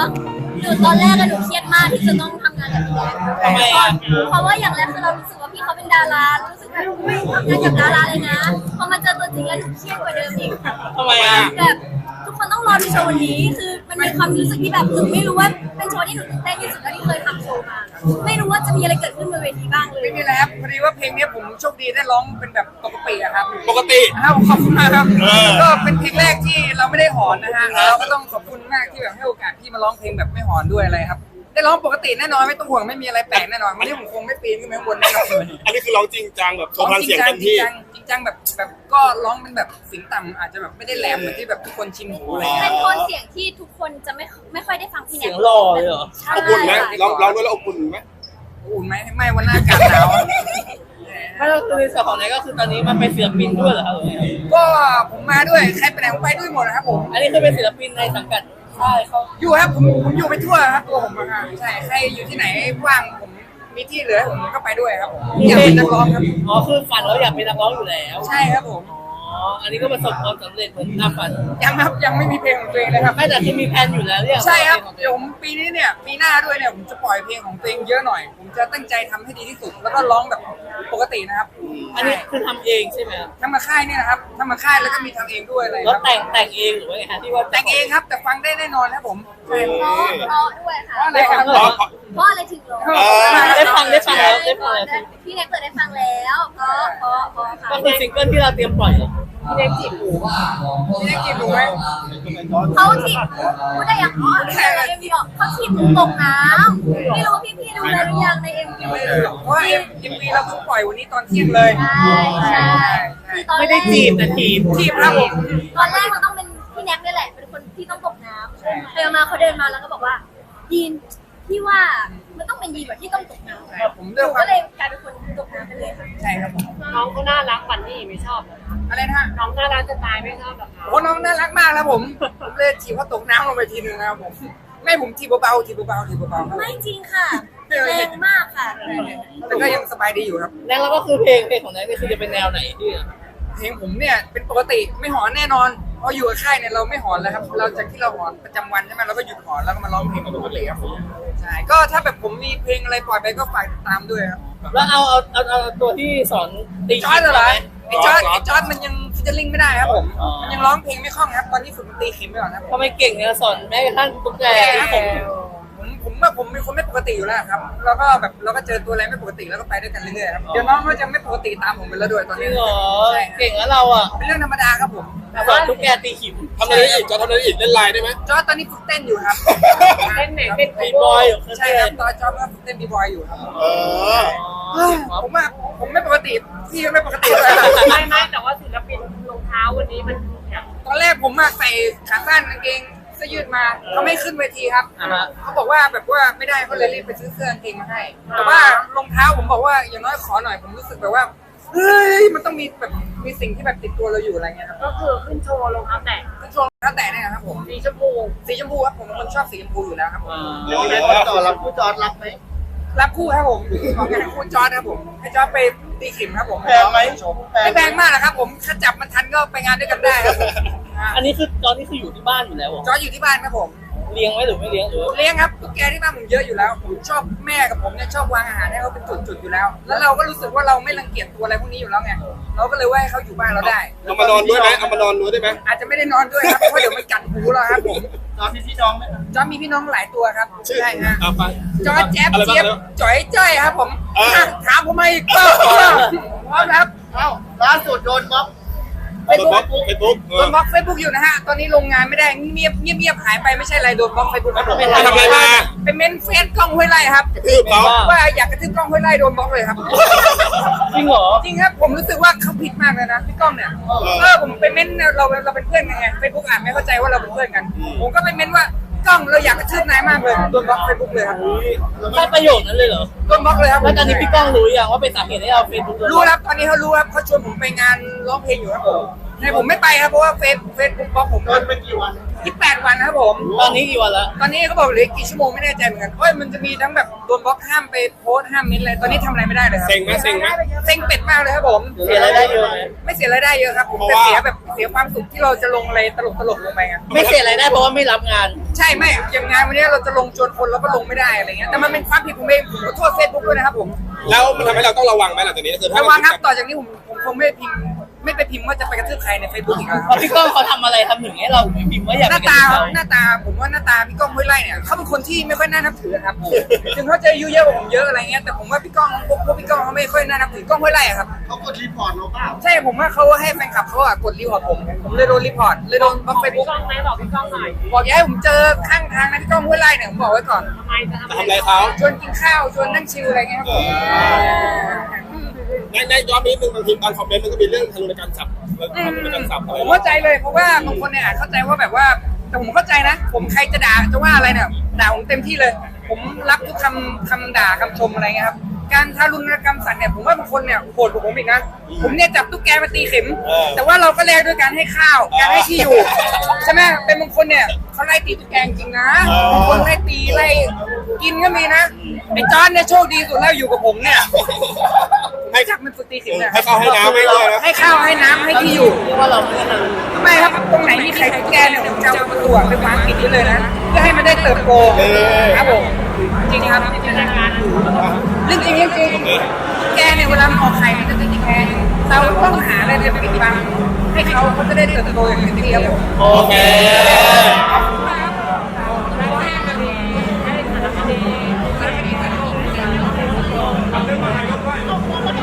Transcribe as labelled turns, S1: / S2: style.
S1: ตอนแรกหนูเครียดมากที่จะต้องทำงานกับพี่แดน
S2: ทำไมอ่ะ
S1: เพราะว่าอย่างแรกคือเรารู้สึกว่าพี่เขาเป็นดารารู้สึกแบบไม่ทำงานกับดาราเลยนะพอมาเจอตัวจริงแล้วหนูเครียดกว่าเดิมอีก
S2: ทำไมอ่ะ
S1: แบบทุกคนต้องรอดูโชว์วันนี้คือมันมีความรู้สึกที่แบบหนูไม่รู้ว่าเป็นโชว์ที่หนูตื่นเต้นที่สุดเท่าที่เคยทำโชว์มาไม่รู้ว่าจะมีอะไรเกิดขึ้นบนเวทีบ้างเลย
S3: ไม่มีอะไรครับพอดีว่าเพลงนี้ผมโชคดีได้ร้องเป็นแบบปกติอะครับ
S4: ปกติ
S3: ครับขอบคุณมากครับ
S4: เออ
S3: ก็เป็นเพลงแรกที่เราไม่ได้หอนนะฮะเราก็ต้องขอบคุณมากที่แบบให้โอกาสพี่มาร้องเพลงแบบไม่หอนด้วยอะไรครับได้ร้องปกติแน่นอนไม่ต้องห่วงไม่มีอะไรแปลกแน่นอนวันนี้ผมคงไม่ปีนขึ้นไปข้างบนแน่นอน
S4: อันนี้คือร้องจริงจังแบบโชว์พลังเสียงเต็มที่
S3: จริงจังแบบก็ร้องเป็นแบบเสียงต่ำอาจจะแบบไม่ได้แหลมเหมือนที่แบบทุกคนชินหูอะไร
S1: เป็
S3: เงี้ย
S1: นโทนเสียงที่ทุกคนจะไม่ค่อยได้ฟังพี่แน
S2: เสียงหล่อเลยเหรอ
S1: ใช่
S4: อบอุ่นไหมร้องด้วยแล้วอบอุ่นไหม
S3: อุ่นไหมไม่วันหน้าอากาศหนาว
S2: ถ้าเราคือในส่วนของไหนก็คือตอนนี้มันเป็นศิลปินด้วยเหรอครับ
S3: ก็ผมมาด้วยใครไปไหนผมไปด้วยหมดนะครับผม
S2: อันนี้คือเป็นศิลปินในสังกัดค่ายเขา
S3: อยู่ครับผมอยู่ไปทั่วครับตัวผมอะใช่ใครอยู่ที่ไหนว่างผมมีที่เหลือผมก็ไปด้วยครับผมอยากเป็นนักร้องครับ
S2: อ๋อคือฝันเราอยากเป็นนักร้องอยู่แล้ว
S3: ใช่ครับผม
S2: อ๋ออันนี้ก็ประสบความสำเร็จเหมือนตามฝัน
S3: ยังครับยังไม่มีเพลงของตัวเองเลยครับ
S2: ไม่แต่คือมีแผนอยู่แล้วเนี่ย
S3: ใช่ครับเดี๋ยวผมปีนี้เนี่ยปีหน้าด้วยเนี่ยผมจะปล่อยเพลงของตัวเองเยอะหน่อย ผมจะตั้งใจทำให้ดีที่สุด แล้วก็ร้องแบบปกตินะครับ
S2: อันนี้คือทำเองใช่ไหมครับ
S3: ทำมาค่ายเนี่ยนะครับทำมาค่ายแล้วก็มีทำเองด้วยอะไร
S2: แล้ว
S3: ครับ
S2: แต่งเองหรือว่าไงฮะที่ว่า
S3: แต่งเองครับแต่ฟังได้แน่นอนครับผมใช่
S1: เพราะด้วยค่ะ
S3: เพราะอะไรครับ
S4: เพราะ
S1: เพราะอะไรถึงร้อง
S2: ได้ฟังแล้วได้ฟังแล้ว
S1: พี่แน็กเปิดได้ฟังแล้วเพราะค่ะ
S2: ก็คือซิงเกิลที่เราเตรียมปล่อยเหรอ
S3: พี่เล็กจีบหนูพี่เล็กจีบหนูไหม
S1: เขาถีบพูดได้ยังอ๋อในเอ็มวีบอกเขาถีบหนูตกน้ำไม่รู้ว่าพี่ดูแล้วหรือยังในเอ็มวี
S3: ไม่รู้หรอกเพราะว่าเอ็มวีเราเพิ่งปล่อยวันนี้ตอนเที่ยงเลย
S1: ใช่คือตอนแรก
S2: ไม่ได้จีบแต่ทีบ
S3: ทีมครับผม
S1: ตอนแรกมันต้องเป็นพี่แน็กนี่แหละเป็นคนที่ต้องตกน้ำไปมาเขาเดินมาแล้วก็บอกว่ายีนพี่ว่ามันต้องเป็นยีนแบบที่ต้องตกน้ำ
S3: ผม
S1: ห
S3: เลือก
S1: นู
S3: ค
S1: ก็
S3: วาม
S1: เลยกลายเป็นคนตกน้ำไปเลยค่ะ
S3: ใช่ครับผม
S5: น้องเขาน่ารักฝันนี่ไม่ชอบเหรอคะ
S3: อะไรนะฮะ
S5: น้องน่ารักจะตายไม่ชอบเหรอคะ
S3: โอ้น้องน่ารักมากครับผมเลยถีบเขาตกน้ำลงไปทีนึงนะครับผมไม่ผมถีบเบาๆถีบเบาๆถีบเบาๆครับ
S1: ไม่จริงค่ะแรงมากค่ะ
S3: แต่ก็ยังสบายดีอยู่ครับ
S2: แล้วเราก็คือเพลงของแนนนี่คือจะเป็นแนวไหนที่
S3: เพลงผมเนี่ยเป็นปกติไม่หอนแน่นอนเพราะอยู่กับค่ายเนี่ยเราไม่หอนแล้วครับเราจากที่เราหอนประจำวันใช่ไหมเราก็หยุดหอนแล้วก็มาร้องเพลงปกติครับผมใช่ก็ถ้าแบบผมมีเพลงอะไรปล่อยไปก็ฝากติดตามด้วยครับ
S2: แล้วเอาตัวที่สอนตี
S3: จอร์ดเหรอ
S2: ไหม
S3: ไอ้จอร์ดมันยังฟิชเชอร์ลิงไม่ได้ครับผมมันยังร้องเพลงไม่คล่องครับตอนนี้ฝึกดนตรีเข็มไปก่อนครับ
S2: ทำไมเก่งเนี่ยสอนแม้กระทั่งตุ๊กแก
S3: ครับผมเป็นคนไม่ปกติอยู่แล้วครับแล้วก็แบบเราก็เจอตัวอะไรไม่ปกติแล้วก็ไปด้วยกันเรื่อยๆครับเดี๋ยวน้องก็จะไม่ปกติตามผมไปแล้วด้วยตอน
S2: จริ
S3: นี้
S2: งเหรอ
S3: ใช่
S2: เก่งแล้วเราอ่ะ
S3: เป็นเรื่องธรรมดาครับผม
S2: สอนตุ๊กแกตีขิม
S4: ทำอะไรอีกจะทำอะไรอีกเล่นไลน์ได้ไหม
S3: จอร์ดตอนนี้ฝึกเต้นอยู่ครับ
S5: เต้นไหนเต้น
S2: ตีบอยเหรอ
S3: ใช่ครับตอนจอร์ดก็ฝึกเต้นบีบอยอยู่ครับ
S4: เออ
S3: ผมไม่ปกติพี่ก็ไม่ปกติเลย
S5: ไม่แต่ว่าศิลปินรองเท้าวันนี้มันแบบ
S3: ตอนแรกผมใส่ขาสั้นกางเกงเสื้อยืดมาเขาไม่ขึ้นเวทีครับเขาบอกว่าแบบว่าไม่ได้เขาเลยรีบไปซื้อเสื้อกางเกงมาให้ แต่ว่ารองเท้าผมบอกว่าอย่างน้อยขอหน่อยผมรู้สึกแบบว่าเฮ้ยมันต้องมีแบบมีสิ่งที่แบบติดตัวเราอยู่อะไรเงี้ยครับ
S5: ก็คือขึ้นโชว์รองเท้าแตะ
S3: คือช่วงเท้าแตะเนี่ยนะครับผม
S5: สีชมพู
S3: สีชมพูครับผมเป็นคนชอบสีชมพูอยู่แล้วครับผม
S4: เดี๋ยวนี้คนต่อรับผู้จอดรับไหม
S3: รับคู่ครับผมของงานคู่จอร์ดครับผมให้จอร์ดไปตีขิมครับผม
S4: แพงไหม
S3: ไม่แพงมากนะครับผมถ้าจับมันทันก็ไปงานด้วยกันได้ครับผม
S2: อันนี้คือตอนนี้คืออยู่ที่บ้านอยู่แล้วเหรอ
S3: จอร์ดอยู่ที่บ้านครับผม
S2: เลี้ยงไว้หรือไม่เลี้ยงหรือ
S3: เลี้ยงครับตุ๊กแกที่บ้านผมเยอะอยู่แล้วผมชอบแม่กับผมเนี่ยชอบวางอาหารให้เขาเป็นจุดๆอยู่แล้ว แล้วเราก็รู้สึกว่าเราไม่รังเกียจตัวอะไรพวกนี้อยู่แล้วไงเราก็เลยว่าให้เขาอยู่บ้านเราได้
S4: เอามานอนด้วยไหมเอามานอนด้วยได้ไหม
S3: อาจจะไม่ได้นอนด้วยครับเพราะเดี๋ยวมันกัดหูเราครับผม
S4: จอดพี่น้องไหม
S3: จอร์จมีพี่น้องหลายตัวครับใช่ฮะ
S4: เอาไป
S3: จอร์จแจ๊บ
S4: อะไรบ้าง
S3: เจี๊ยบ
S4: แล้ว
S3: จ๋อยจ้อยครับผม
S4: อ่า
S3: อ่ะถามผมมาอีกก็พร้อมครับ
S4: เอ้าล่าสุดโดนบล็อก
S3: เฟซบุ๊ก
S4: เฟซบุ๊ก
S3: โดนบล็อกเฟซบุ๊กอยู่นะฮะตอนนี้ลงงานไม่ได้เงียบหายไปไม่ใช่อะไรโดนบล็อกเฟซบุ๊กครับผม
S4: ไปทำอะไรมา
S3: เป็นเมนเฟซกล้องห้วยไร่ครับ
S4: กระทืบเขา
S3: ว่าอยากกระทืบกล้องห้วยไร่โดนบล็อกเลยครับ
S2: จริงเหรอ
S3: จริงครับผมรู้สึกว่าเขาผิดมากเลยนะพี่ก้องเนี่ยผมไปเม้นเราเป็นเพื่อนกันไงเฟซบุ๊กอ่านไม่เข้าใจว่าเราเป็นเพื่อนกัน ผมก็ไปเม้นว่ากล้องเราอยากกระทืบนายมากเลยโดนบล็อกเฟซบุ๊กเลยครับ
S2: แค่ประโยคนั้นเลยเหรอ
S3: โดนบล็อกเลยครับ
S2: แล้วตอนนี้พี่ก้องรู้ยังว่าเป็นสาเหตุให้เราเฟซบุ๊ก
S3: รู้ครับตอนนี้เขารู้ครับเขาชวนผมไปงานร้องเพลงอยู่ครับผมแต่ผมไม่ไปครับเพราะว่าเฟซบุ๊กบล็อกผม
S4: โดนไปกี่วัน
S3: 28 วันนะครับผม
S2: ตอนนี้กี่วันแล้ว
S3: ตอนนี้เขาบอกเหลือกี่ชั่วโมงไม่แน่ใจเหมือนกันมันจะมีทั้งแบบโดนบล็อกห้ามไปโพสต์ห้ามมินอะไรตอนนี้ทำอะไรไม่ได้เลยครับ
S4: เซ็งไหมเซ็งไหม
S3: เซ็งเป็ดมากเลยครับผม
S2: เสียรายได้เยอะไหม
S3: ไม่เสียรายได้เยอะครับผม
S4: เพราะ
S3: แต่
S4: ว่า
S3: เสียแบบเสียความสุขที่เราจะลงอะไรตลกลงไปไง
S2: ไม่เสียรายได้เพราะว่าไม่รับงาน
S3: ใช่ไม่อย่างงานวันนี้เราจะลงชวนคนแล้วก็ลงไม่ได้อะไรเงี้ยแต่มันเป็นความผิดผมเองผมขอโทษเฟซบุ๊กด้วยนะครับผม
S4: แล้วมันทำให้เราต้องระวังไหมหลังจากนี้คือถ้า
S3: ระวังครับต่อจากนี้ผมคงไม่ไปพิมพ์ว่าจะไปกระทืบใครในเฟซบุ๊กอีกแล้ว
S2: เพราะพี่ก้องเขาทำอะไรทำถึงให้เราไม่พิมพ์ว่าอยาก
S3: ห
S2: ไป
S3: น้า
S2: กับ
S3: ตา
S2: เขา
S3: หน้าตาผมว่าหน้าตาพี่ก้องห้วยไร่เนี่ยเขาเป็นคนที่ไม่ค่อยน่านับถือครับถึงเขาจะอายุเยอะกว่าผมเยอะอะไรเงี้ยแต่ผมว่าพี่ก้องพวกพี่ก้องเขาไม่ค่อยน่านับถือก้องห้วยไร่อะครับ
S4: เขากดรีพอร์ตเราเปล่า
S3: ใช่ผมว่าเขาให้แฟนคลับเขาอะกดรีพอร์ตผมเลยโดนรีพอร์ตเลยโดนบล็อกเฟซ
S5: พี่
S3: บุ๊ก
S5: ก้องไหมบอกพี่ก้องหน่อย
S3: บอกอย่าให้ผมเจอข้างทางนะพี่ก้องห้วยไร่เนี่ยผมบอกไว้ก่อน
S5: ทำไมจะทำ
S4: ทำอะไรเขา
S3: ชวนกินข้าวชวนนั่งชิลอะไรเงี้ยครับผม
S4: ในย้อนนิดนึงบางทีตอนคอมเมนต์มันก็มีเรื่องทารุณกรรมศัพท์ทารุณกรรมศัพท์อะไร
S3: ผมเข้าใจเลยเพราะว่าบางคนเนี่ยเข้าใจว่าแบบว่าแต่ผมเข้าใจนะ ผมใครจะด่าจะว่าอะไรเนี่ยด่าผมเต็มที่เลย ผมรับทุกคำด่าคำชมอะไรเงี้ยครับการทารุณกรรมสัตว์เนี่ยผมว่าบางคนเนี่ยโหดกว่าผมอีกนะผมเนี่ยจับตุ๊กแกมาตีเข็ม แต่ว่าเราก็แลกด้วยการให้ข้าวการให้ที่อยู่ใช่ไหมเป็นบางคนเนี่ยเขาไล่ตีตุ๊กแกจริงนะบางคนไล่ตีไล่กินก็มีนะไอ้จอนเนี่ยโชคดีสุดแล้วอยู่กับผมเนี่ยให้จับมันฝึกตีเข็มเนี่ย
S4: ให้เขาให้น้ำให้เลยนะ
S3: ให้ข้าวให้น้ำให้ที่อยู่
S2: เพราะว่าเราไม่ได้ท
S3: ไม่ครับตรงไหนมีใครตุ๊กแกเนี่ยผมจะเอาประตูไปวางปิดไว้เลยนะเพื่อให้มันได้เติบโตครับผมจริงครับ
S5: เป็นรายการ
S3: เรื่องจริงจริงแกเนี่ยเวลามันออกไข่มันจะติดแกงเราต้องหาอะไรไปปิดบังให้เขาจะได้เติบโตอย่างเต็มที่ครับผม
S2: ำโอเค